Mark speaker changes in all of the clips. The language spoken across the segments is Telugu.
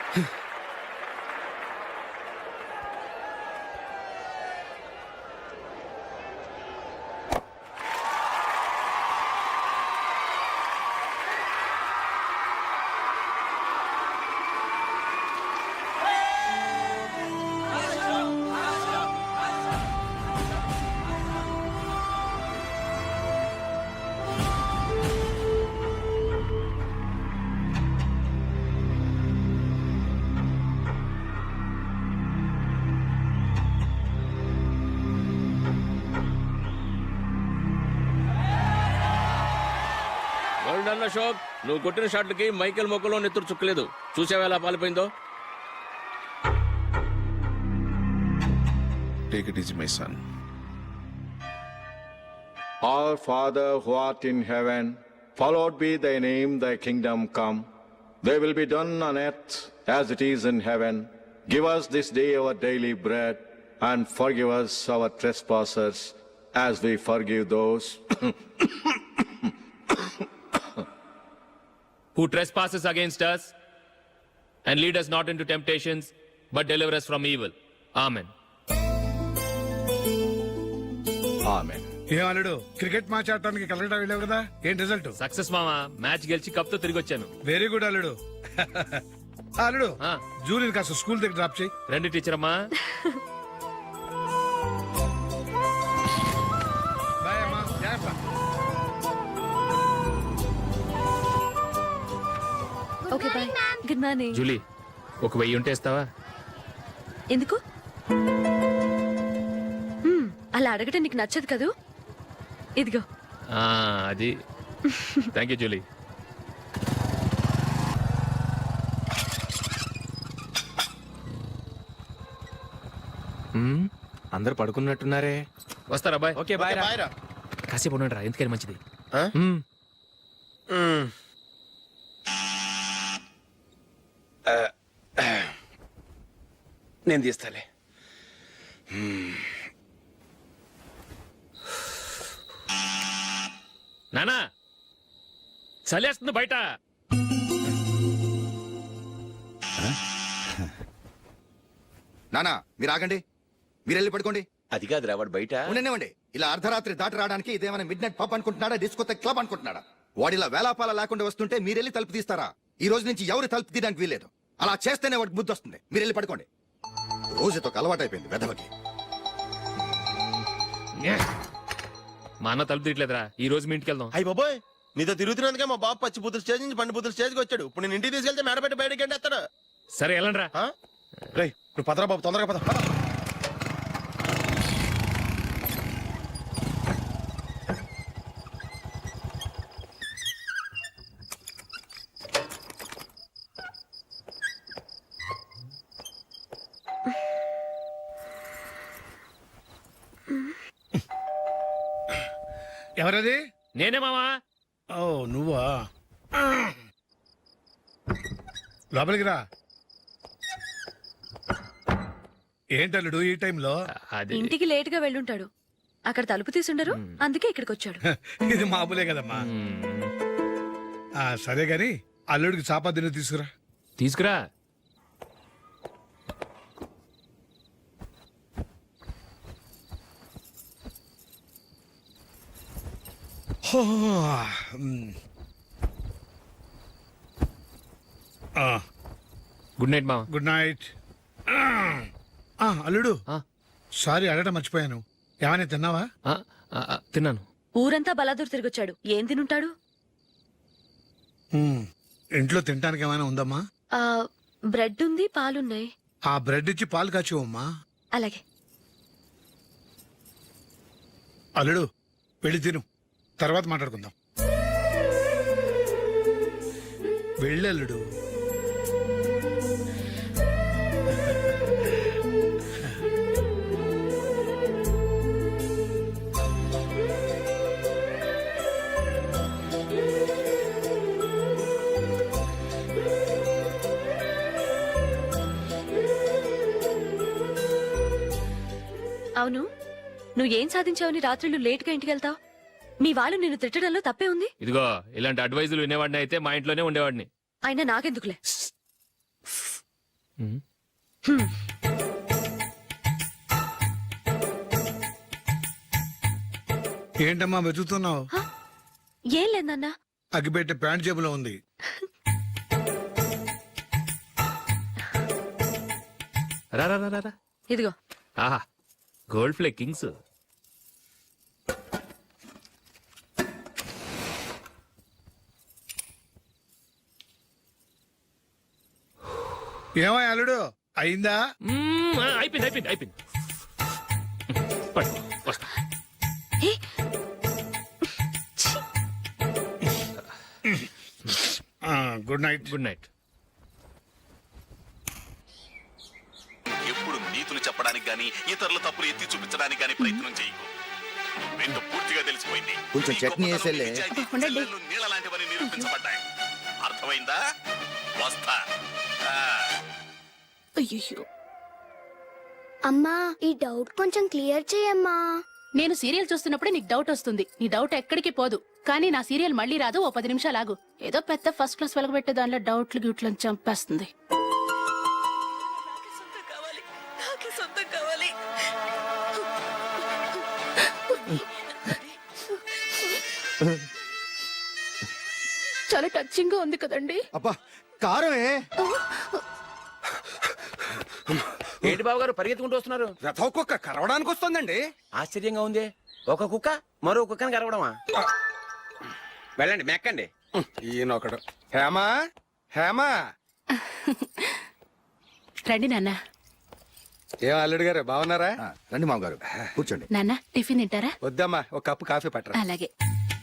Speaker 1: అశోక్, నువ్వు కొట్టిన షాట్లకి మైకేల్ మొక్కలో నెత్తురు చుక్కలేదు. చూసావా ఎలా పాలిపోయిందో?
Speaker 2: Take it easy, my son.
Speaker 3: Our Father who art in heaven, hallowed be thy name, thy kingdom come. Thy will be done on earth as it is in heaven. Give us this day our daily bread, and forgive us our trespasses as we forgive those
Speaker 4: who trespasses against us, and lead us not into temptations, but deliver us from evil. Amen.
Speaker 3: Amen.
Speaker 5: ఏమన్నాడు? క్రికెట్ మ్యాచ్ ఆడటానికి కలకటా వెళ్ళావు కదా, ఏం రిజల్ట్?
Speaker 4: సక్సెస్ మామా, మ్యాచ్ గెలిచి కప్ తో తిరిగి వచ్చాను.
Speaker 5: వెరీ గుడ్ అల్లుడు. అల్లుడు,
Speaker 4: ఆ.
Speaker 5: జూలిని కాస్త స్కూల్ దగ్గర డ్రాప్ చేయి.
Speaker 4: రండి టీచర్ అమ్మా.
Speaker 5: బాయ్ అమ్మా, జాగ్రత్త.
Speaker 6: Okay bye. Good morning.
Speaker 4: Julie, ఒక 1000 ఉంటే ఇస్తావా?
Speaker 6: ఎందుకు? అలా అడగటం నీకు నచ్చదు కదూ. ఇదిగో.
Speaker 4: అది థ్యాంక్ యూ జూలీ.
Speaker 7: అందరు పడుకున్నట్టున్నారే.
Speaker 4: వస్తారా బాయ్?
Speaker 7: ఓకే బాయ్ రా.
Speaker 4: కాసేపు ఉండండి రా, ఎందుకని మంచిది.
Speaker 7: నేను తీస్తాలే.
Speaker 4: నానా, చలేస్తుంది బయట.
Speaker 8: నానా మీరు ఆగండి, మీరు వెళ్ళి పడుకోండి.
Speaker 7: అది కాదురా, వాడు బయట
Speaker 8: ఉండనివ్వండి. ఇలా అర్ధరాత్రి దాటి రావడానికి ఇదేమైనా మిడ్ నైట్ పబ్ అనుకుంటున్నాడా, డిస్కోతే క్లబ్ అనుకుంటున్నాడా? వాడిలా వేలాపాల లేకుండా వస్తుంటే మీరెళ్ళి తలుపు తీస్తారా? ఈ రోజు నుంచి ఎవరు తలుపు తీయడానికి వీల్లేదు. అలా చేస్తేనే వాడికి బుద్ధి వస్తుంది. మీరు వెళ్ళి పడుకోండి. రోజుతో అలవాటు అయిపోయింది వెధవకి.
Speaker 4: మా అన్న తలుపు తీయట్లేదురా, ఈ రోజు మీ ఇంటికి వెళ్దాం.
Speaker 7: అయ్యి బాబోయ్, నీతో తిరుగుతున్నందుకే మా బాబు పచ్చి బుద్ధుల స్టేజ్ నుంచి పండు బుద్ధుల స్టేజ్కి వచ్చాడు. ఇప్పుడు నేను ఇంటికి తీసుకెళ్తే మేడపెట్టి బయటకి ఎండేస్తాడు.
Speaker 4: సరే వెళ్ళండి రా.
Speaker 7: రేయ్, నువ్వు పదరా బాబు, తొందరగా పద.
Speaker 5: ఎవరది?
Speaker 4: నేనే మామా.
Speaker 5: ఓ నువ్వా? లోపలికి రా. ఏంటల్లుడు ఈ టైంలో?
Speaker 4: అది
Speaker 6: ఇంటికి లేట్ గా వెళ్ళుంటాడు. అక్కడ తలుపు తీసుండరు, అందుకే ఇక్కడికి వచ్చాడు.
Speaker 5: ఇది మామూలే కదమ్మా. సరే గాని అల్లుడికి చాపాదిని తీసుకురా.
Speaker 4: తీసుకురా. గుడ్ నైట్ మామ.
Speaker 5: Good night. అల్లుడు, సారీ అడగటం మర్చిపోయాను. ఏమైనా తిన్నావా?
Speaker 4: తిన్నాను.
Speaker 6: ఊరంతా బలాదూర్ తిరిగొచ్చాడు, ఏం తినుంటాడు?
Speaker 5: ఇంట్లో తినడానికి ఏమైనా ఉందమ్మా?
Speaker 6: బ్రెడ్ ఉంది, పాలున్నాయి.
Speaker 5: ఆ బ్రెడ్ ఇచ్చి పాలు కాచివమ్మా.
Speaker 6: అలాగే.
Speaker 5: అల్లుడు, వెళ్ళి తిను, తర్వాత మాట్లాడుకుందాం. వెళ్ళల్లుడు.
Speaker 6: అవును, నువ్వేం సాధించావని రాత్రులు లేట్ గా ఇంటికి వెళ్తావు? మీ వాళ్ళు నిన్ను తిట్టడంలో తప్పే ఉంది.
Speaker 4: ఇదిగో, ఇలాంటి అడ్వైజులు వినేవాడిని అయితే మా ఇంట్లోనే ఉండేవాడిని.
Speaker 6: అయినా నాకెందుకులే.
Speaker 5: ఏంటమ్మా వెతుకుతున్నావు?
Speaker 6: ఏం లేదన్నా.
Speaker 5: అగ్గిపెట్టే ప్యాంట్ జేబులో ఉంది.
Speaker 4: రా రా రా రా, రా.
Speaker 6: ఇదిగో.
Speaker 4: ఆహా గోల్డ్ ఫ్లే కింగ్స్.
Speaker 5: ఏమో అల్లుడు అయిందా?
Speaker 4: అయిపోయింది అయిపోయింది అయిపోయింది. పట్టు, వస్తా.
Speaker 6: ఏ,
Speaker 5: గుడ్ నైట్.
Speaker 4: Good night.
Speaker 2: ఎప్పుడు నీతులు చెప్పడానికి గాని ఇతరుల తప్పులు ఎత్తి చూపించడానికి గాని ప్రయత్నం చేయకు. రెండు పూర్తిగా తెలిసిపోయింది.
Speaker 8: కొంచెం
Speaker 2: నీ
Speaker 8: చట్నీ
Speaker 2: గొప్పతనం,
Speaker 8: వేసేలే.
Speaker 2: నిజాయితీ, చెల్లెళ్ళు నీళ్ళ లాంటివని నిరూపించబడ్డాయి. అర్థమైందా? వస్తా. ఆ.
Speaker 6: అయ్యయ్యో.
Speaker 9: అమ్మా ఈ డౌట్ కొంచెం క్లియర్ చేయమ్మా.
Speaker 10: నేను సీరియల్ చూస్తున్నప్పుడే నీకు డౌట్ వస్తుంది. నీ డౌట్ ఎక్కడికి పోదు. కానీ నా సీరియల్ మళ్ళీ రాదు. ఓ 10 నిమిషాలు ఆగు. ఏదో పెద్ద ఫస్ట్ క్లాస్ వెలగబెట్టే దానిలో డౌట్లు గ్యూట్లను చంపేస్తుంది. చాలా టచింగ్ గా ఉంది కదండి.
Speaker 8: అబ్బా కారమే.
Speaker 1: ఏంటి బాబు గారు పరిగెత్తుకుంటూ వస్తున్నారు?
Speaker 11: రథ కుక్క కరవడానికి వస్తుందండి.
Speaker 1: ఆశ్చర్యంగా ఉంది. ఒక కుక్క మరో కుక్కని కరవడమా? వెళ్ళండి మెక్కండి.
Speaker 11: ఈయనొకడు. హేమా హేమా.
Speaker 10: రండి నాన్న.
Speaker 11: ఏం అల్లుడు గారు బాగున్నారా?
Speaker 8: రండి మామగారు కూర్చోండి.
Speaker 10: నాన్న టిఫిన్ తింటారా?
Speaker 11: వద్దమ్మా ఒక కప్పు కాఫీ పట్టరా.
Speaker 10: అలాగే.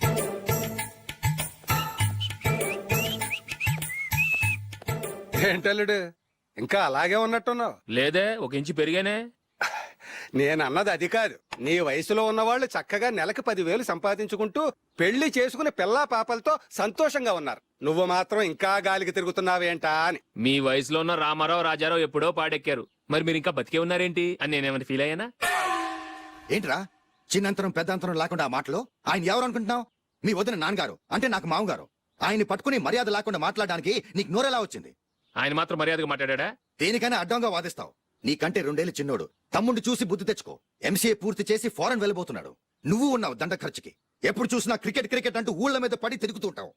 Speaker 11: ఏంటల్లుడు ఇంకా అలాగే ఉన్నట్టున్నావు?
Speaker 4: లేదే, ఒక ఇంచు పెరిగానే.
Speaker 11: నేను అన్నది అది కాదు. నీ వయసులో ఉన్నవాళ్ళు చక్కగా నెలకు 10,000 సంపాదించుకుంటూ పెళ్లి చేసుకుని పిల్లా పాపలతో సంతోషంగా ఉన్నారు. నువ్వు మాత్రం ఇంకా గాలికి తిరుగుతున్నావేంటా అని.
Speaker 4: మీ వయసులో ఉన్న రామారావు రాజారావు ఎప్పుడో పాడెక్కారు. మరి మీరు ఇంకా బతికే ఉన్నారేంటి అని నేనేమైనా ఫీల్ అయ్యానా?
Speaker 8: ఏంట్రా చిన్నంతరం పెద్దంతరం లేకుండా ఆ మాటలు? ఆయన ఎవరు అనుకుంటున్నావు? మీ వదిన నాన్నగారు అంటే నాకు మామగారు. ఆయన్ని పట్టుకుని మర్యాద లేకుండా మాట్లాడడానికి నీకు నోరెలా వచ్చింది?
Speaker 4: ఆయన మాత్రం మర్యాదగా మాట్లాడా?
Speaker 8: దేనికైనా అడ్డంగా వాదిస్తావు. నీకంటే 2 ఏళ్ల చిన్నోడు. తమ్ముడు చూసి బుద్ధి తెచ్చుకో. ఎంసీఏ పూర్తి చేసి ఫారెన్ వెళ్ళబోతున్నాడు. నువ్వు ఉన్నావు దండ ఖర్చుకి. ఎప్పుడు చూసినా క్రికెట్ క్రికెట్ అంటూ ఊళ్ళ మీద పడి తిరుగుతుంటావు.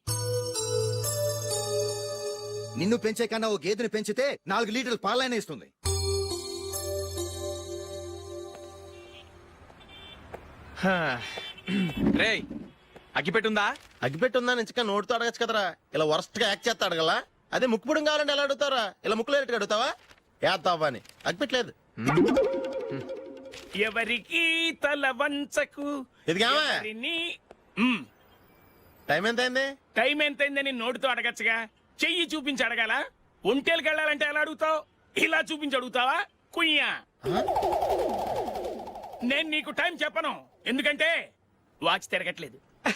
Speaker 8: నిన్ను పెంచే కన్నా ఓ గేదెని పెంచితే 4 లీటర్లు పాలైన ఇస్తుంది.
Speaker 1: రే అగ్గిపెట్టుందా?
Speaker 7: అగ్గిపెట్టుందా నుంచి నోటితో అడగచ్చు కదరా. ఇలా వరస్ట్ గా యాక్ట్ చేస్తా అడగలా. అదే ముక్కుపుడం కావాలంటే ఎలా అడుగుతారా? ఇలా ముక్కులు ఎట్టుగా అడుగుతావా? ఏత్తావా అని. అగ్గిపెట్టలేదు.
Speaker 1: ఎవరికి తల వంచకు.
Speaker 7: ఇదిగామా టైం ఎంత అయింది?
Speaker 1: టైం ఎంతైందని నోటితో అడగచ్చుగా. చెయ్యి చూపించి అడగాల. ఒంటేలకు వెళ్ళాలంటే ఎలా అడుగుతావు? ఇలా చూపించి అడుగుతావా? కుయ్యా. నేను నీకు టైం చెప్పను, ఎందుకంటే వాచ్ తిరగట్లేదు.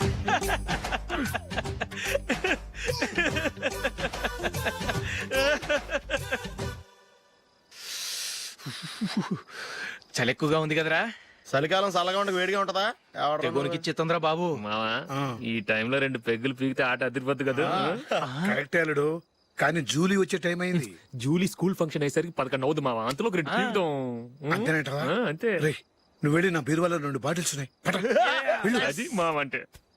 Speaker 12: చలి ఎక్కువగా ఉంది కదరా.
Speaker 7: చలికాలం చల్లగా ఉండక వేడిగా ఉంటదా?
Speaker 12: తెగోనికి తొందర బాబు.
Speaker 4: మావా ఈ టైంలో 2 పెగ్గులు పీకితే ఆట అదిరిపోద్దు కదా.
Speaker 5: కరెక్ట్ అల్లుడు, కానీ జూలీ వచ్చే టైం అయింది.
Speaker 4: జూలీ స్కూల్ ఫంక్షన్ అయ్యేసరికి 11 అవుతుంది మావా. అంతలో 2 పీకుదాం.
Speaker 5: అంతేనేటవా?
Speaker 4: అంతే.
Speaker 5: రేయ్, నువ్వు వెళ్ళి నా బీరువాలో 2 బాటిల్స్ ఉన్నాయి. పట. వెళ్ళు.
Speaker 4: అది మావ అంటే.